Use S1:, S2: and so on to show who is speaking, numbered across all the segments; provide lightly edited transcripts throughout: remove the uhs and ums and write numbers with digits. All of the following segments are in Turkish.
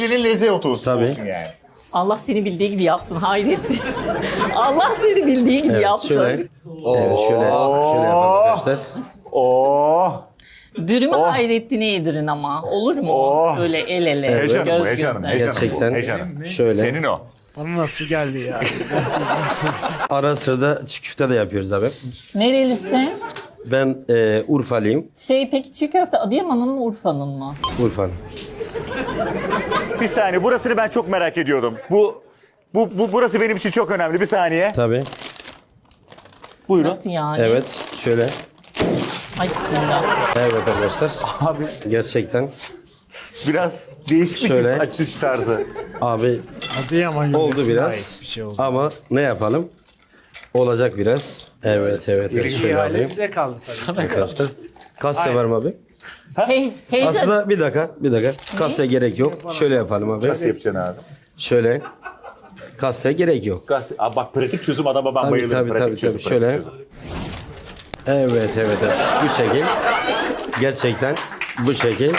S1: Elinin lezzeti olsun
S2: Tabii.
S1: yani.
S3: Allah seni bildiği gibi yapsın Hayrettin. Allah seni bildiği gibi
S2: Evet,
S3: yapsın.
S2: şöyle. Evet, şöyle yapalım arkadaşlar.
S1: Oh.
S3: Dürümü Hayrettin'e yedirin ama. Olur mu?
S1: Oh.
S3: Böyle el ele.
S1: Heyecanım
S3: göz
S1: bu, heyecanım,
S3: göze.
S1: heyecanım bu,
S2: Gerçekten.
S1: heyecanım.
S2: Şöyle.
S1: Senin o.
S4: Bana nasıl geldi ya?
S2: Ara sırada çiğ köfte de yapıyoruz abi.
S3: Nerelisin?
S2: Ben Urfalıyım.
S3: Peki çiğ köfte Adıyaman'ın mı Urfa'nın mı?
S2: Urfa'nın.
S1: Bir saniye, burasını ben çok merak ediyordum. Burası benim için çok önemli. Bir saniye.
S2: Tabii.
S1: Buyurun.
S3: Nasıl yani?
S2: Evet. Şöyle.
S3: Ay bismillah.
S2: Evet arkadaşlar.
S1: Abi
S2: Gerçekten.
S1: biraz değişik bir
S2: Şöyle.
S1: açış tarzı.
S2: Abi
S4: Adıyaman
S2: oldu
S4: yöresine
S2: biraz.
S4: ait bir şey oldu.
S2: Ama ne yapalım? Olacak biraz. Evet. Şöyle
S4: İhale
S2: alayım.
S4: bize kaldı tabii.
S2: Arkadaşlar. Kase var mı abi?
S3: Heyecan.
S2: Aslında bir dakika. Kase gerek yok. Şöyle yapalım abi.
S1: Nasıl yapacaksın abi?
S2: Şöyle. Kase gerek yok.
S1: Abi bak, pratik çözüm adama ben bayılırım.
S2: Tabii.
S1: Pratik çözüm, pratik
S2: Şöyle.
S1: çözüm.
S2: Evet. Bu şekil. Gerçekten bu şekil.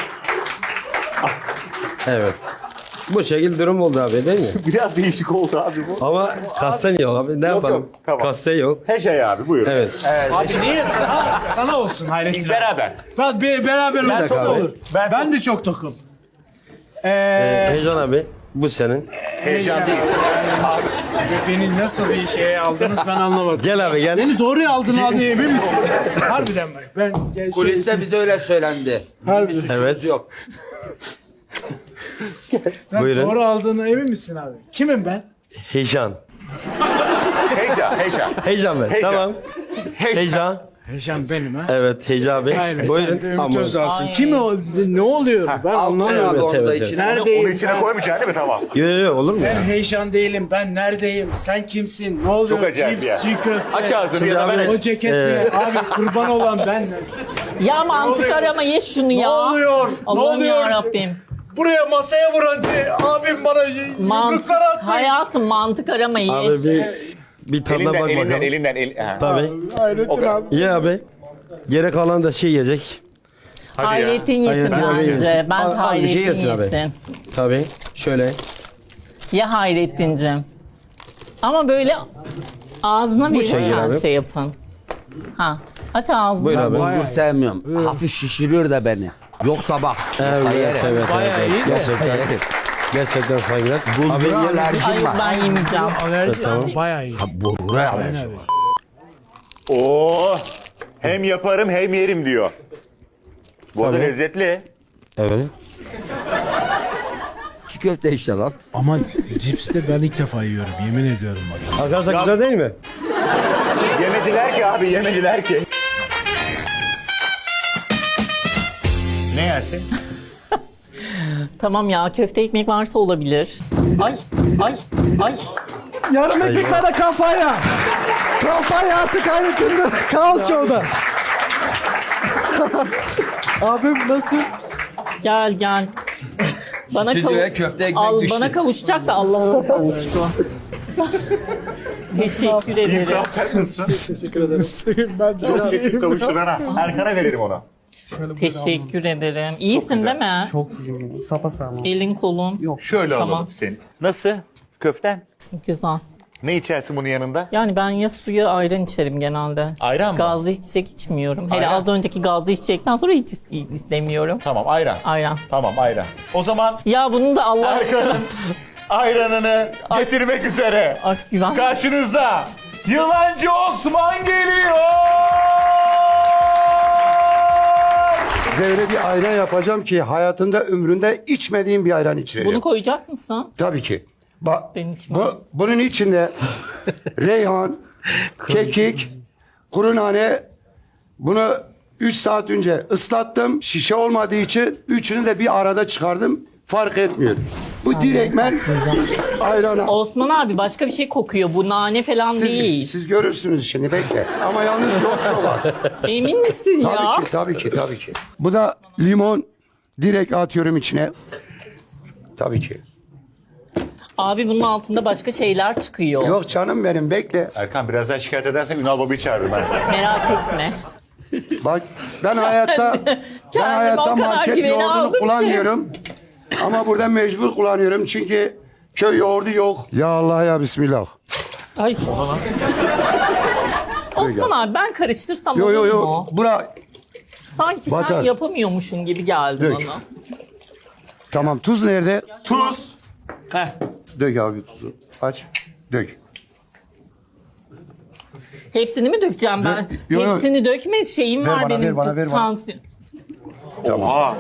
S2: Evet. Bu şekil durum oldu abi değil mi?
S1: Biraz değişik oldu abi bu.
S2: Ama kasten yok abi. Ne yapalım?
S1: yok, tamam.
S2: Kaste yok.
S1: Heşey abi, buyur.
S2: Evet.
S4: Abi niye sana olsun Hayrettin abi.
S1: Beraber.
S4: Beraber
S2: dakika
S4: olsa
S2: abi.
S4: olur.
S1: Ben-
S4: Ben de çok tokum.
S2: Heyecan abi bu senin.
S1: Heyecan değil.
S4: Beni nasıl bir şeye aldınız ben anlamadım.
S2: Gel abi gel.
S4: Beni doğru aldığına emin misin? Harbiden bak. Ben
S5: Kuliste bize öyle söylendi.
S4: harbiden.
S2: Evet.
S5: Yok.
S4: Ben
S2: Buyurun.
S4: doğru aldığına emin misin abi? Kimim ben?
S2: Heyecan.
S1: Heyecan.
S2: Heyecan ben.
S1: Heyecan.
S2: Tamam. Heyecan.
S4: Heyecan benim ha.
S2: Evet Heyecan abi.
S4: Aynen. Sen de
S2: Buyurun.
S4: Ümit
S2: Ama
S4: Özdağ'sın.
S3: Ay.
S4: Kim o? Ne oluyor? Ben anlamıyorum.
S5: Abi onu da
S2: evet.
S5: içine.
S1: Onu
S4: Neredeyim
S1: içine
S4: ben?
S1: koymayacaksın değil mi? Tamam.
S2: Yok olur mu?
S4: Ben heyecan değilim. Ben neredeyim? Sen kimsin? Ne oluyor?
S1: Çok acayip ya.
S4: Cips, çiğ köfte.
S1: Aç ağzını ya da ben
S2: abi-
S4: O
S1: aç.
S4: ceket ne? Abi kurban olan ben.
S3: Ya mantık
S1: oluyor?
S3: arama ye şunu
S4: Ne
S3: ya.
S4: oluyor? Ne
S3: Allah'ım
S4: oluyor?
S3: yarabbim.
S4: Buraya masaya vuran abim bana
S3: Mantık,
S4: yumruklar attı.
S3: hayatım mantık arama ye.
S2: Abi bir tadına bak bakalım.
S1: Elinden. Ha.
S2: Tabii.
S4: Hayrettin abi.
S2: Ye abi. Gerek kalan da şey yiyecek.
S1: Hadi ya.
S3: Hayrettin yesin
S2: Hayrettin abi
S3: bence.
S2: yesin.
S3: Ben
S2: Az bir
S3: Hayrettin
S2: şey yesin abi.
S3: yesin.
S2: Tabii. Şöyle.
S3: Ya Hayrettin'cim. Ama böyle ağzına
S2: şekil
S3: verirken
S2: abi.
S3: şey yapın. Ha. Aç ağzını.
S2: Buyur abi.
S5: Bulgur sevmiyorum. Hafif şişiriyor da beni. Yoksa bak.
S2: Evet.
S4: Bayağı iyi de.
S2: Gerçekten saygılar. Abi
S5: Bulgura alerjim
S3: Hayır
S5: var.
S3: ben yemeyeceğim.
S4: Alerji
S2: tamam.
S4: bayağı iyi.
S5: Bulgura alerjim var.
S1: Oo. Hem yaparım hem yerim diyor. Bu arada
S2: Tabii.
S1: lezzetli.
S2: Evet.
S5: Çiğ köfte işte lan.
S4: Ama cips de ben ilk defa yiyorum. Yemin ediyorum bak.
S2: Arkadaşlar güzel değil mi?
S1: Yemediler ki abi, yemediler ki. Ne yersin?
S3: Tamam ya köfte ekmek varsa olabilir. Ay.
S6: Yarım ekmeklerde kampanya. Kampanya artık Hayrettin'de. Kaos Show'da. Abim nasıl?
S3: Gel. Bana
S5: Stüdyoya köfte ekmek
S3: Al,
S5: düştü.
S3: bana kavuşacak da Allah'a kavuştu. Teşekkür ederim.
S1: Sen nasılsın?
S6: Teşekkür ederim.
S4: Ben de
S1: Çok yakın kavuşturana. Erkan'a veririm onu.
S3: Teşekkür ederim. İyisin değil mi?
S6: Çok iyiyim. Sapasağlam.
S3: Elin kolun.
S1: Şöyle
S3: Tamam.
S1: alalım seni. Nasıl? Köften?
S3: Güzel.
S1: Ne içersin bunun yanında?
S3: Yani ben ya suyu ayran içerim genelde.
S1: Ayran mı?
S3: Gazlı içecek içmiyorum. Hele
S1: Ayran.
S3: az önceki gazlı içecekten sonra hiç istemiyorum.
S1: Tamam, ayran.
S3: Ayran.
S1: Tamam, ayran. O zaman
S3: Ya bunun da Allah aşkına
S1: Erkan'ın ayranını getirmek üzere.
S3: artık güven.
S1: Karşınızda Yılancı Osman geliyor.
S7: Size öyle bir ayran yapacağım ki hayatında ömründe içmediğim bir ayran içireceğim.
S3: Bunu koyacak mısın?
S7: Tabii ki. Bak,
S3: Ben içmem.
S7: bunun içinde reyhan, kekik, kuru nane, bunu 3 saat önce ıslattım. Şişe olmadığı için üçünü de bir arada çıkardım. Fark etmiyor. Bu direktmen ayrana.
S3: Osman abi başka bir şey kokuyor. Bu nane falan değil.
S7: Siz görürsünüz şimdi bekle. Ama yalnız yok çok az.
S3: Emin misin ya?
S7: Tabii ki. Bu da limon. Direkt atıyorum içine. Tabii ki.
S3: Abi bunun altında başka şeyler çıkıyor.
S7: Yok canım benim bekle.
S1: Erkan birazdan şikayet edersen Ünal Baba'yı çağırırım ben.
S3: Merak etme.
S7: Bak ben hayatta
S3: o kadar
S7: market
S3: güveni
S7: yoğurdunu
S3: aldım ki.
S7: kullanmıyorum. Ama burada mecbur kullanıyorum çünkü köy yoğurdu yok. Ya Allah ya Bismillah.
S3: Ay. Osman abi ben karıştırsam
S7: Yo yo
S3: olur
S7: yo.
S3: mu?
S7: Bura
S3: Sanki sen
S7: Batar.
S3: yapamıyormuşsun gibi geldi
S7: Dök.
S3: bana.
S7: tamam, tuz nerede?
S1: Tuz.
S7: Dök abi tuzu. Aç. Dök.
S3: Hepsini mi dökeceğim ben?
S7: Yo, yo.
S3: Hepsini dökme şeyim
S7: Ver
S3: var
S7: bana,
S3: benim.
S7: ver bana, ver bana.
S3: Tansiyon.
S1: Oha.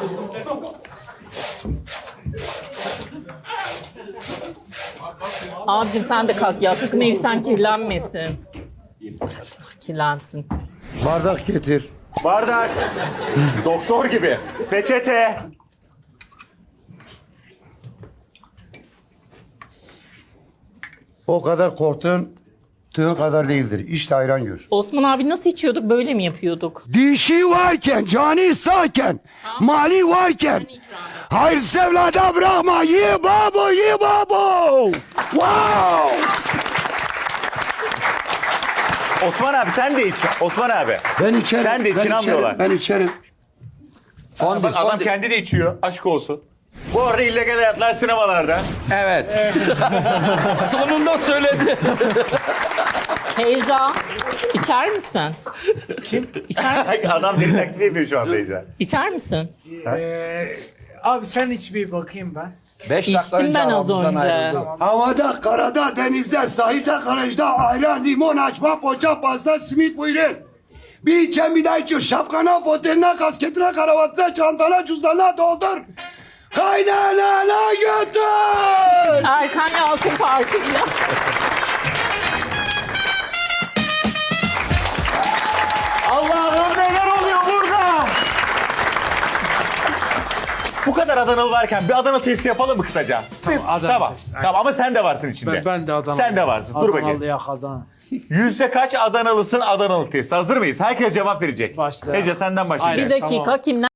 S3: Abicim sen de kalk ya. Sakın ev sen kirlenmesin. Kirlensin.
S7: Bardak getir.
S1: Bardak. Doktor gibi. Peçete.
S7: O kadar korktun, tığı kadar değildir. İşte ayran gör.
S3: Osman abi nasıl içiyorduk? Böyle mi yapıyorduk?
S7: Dişi varken, cani sağken, mali varken, hayırsız evlada bırakma. Ye babo, ye babo. Wow.
S1: Osman abi sen de iç. Osman abi.
S7: Ben içerim.
S1: Sen de için
S7: ben
S1: almıyorlar.
S7: Ben içerim.
S1: Bak adam kendi de içiyor. Aşk olsun. Bu arada illegal hayatlar sinemalarda.
S5: Evet. Sonunda söyledi.
S3: Heyecan. İçer misin? Kim? İçer misin?
S1: Adam beni taklit yapıyor şu anda Ece.
S3: İçer misin?
S4: Abi sen iç bir bakayım ben.
S5: 5 dakika
S3: İçtim
S5: önce
S3: ben az
S5: aramızdan
S3: önce.
S5: ayrıldı.
S7: Havada, karada, denizde, sahilde, garajda, ayran, limon, açma, poğaça, pasta, simit buyurun. Bir içen bir daha içiyor. Şapkana, foteline, kasketine, kravatına, çantana, cüzdanına doldur. Kaynanana götür.
S3: Erkan Yalçın farkında.
S1: Allah'ım neler oluyor burada? Bu kadar Adanalı varken bir Adana testi yapalım mı kısaca?
S4: Adana
S1: Tamam.
S4: testi, aynen.
S1: Tamam ama sen de varsın içinde.
S4: Ben de Adana.
S1: Sen de varsın. Dur bakayım.
S4: Adanalı yak Adana.
S1: Yüzde kaç Adanalısın Adanalı testi? Hazır mıyız? Herkes cevap verecek.
S4: Başla.
S1: Ece senden başlayalım.
S3: Bir dakika kimler?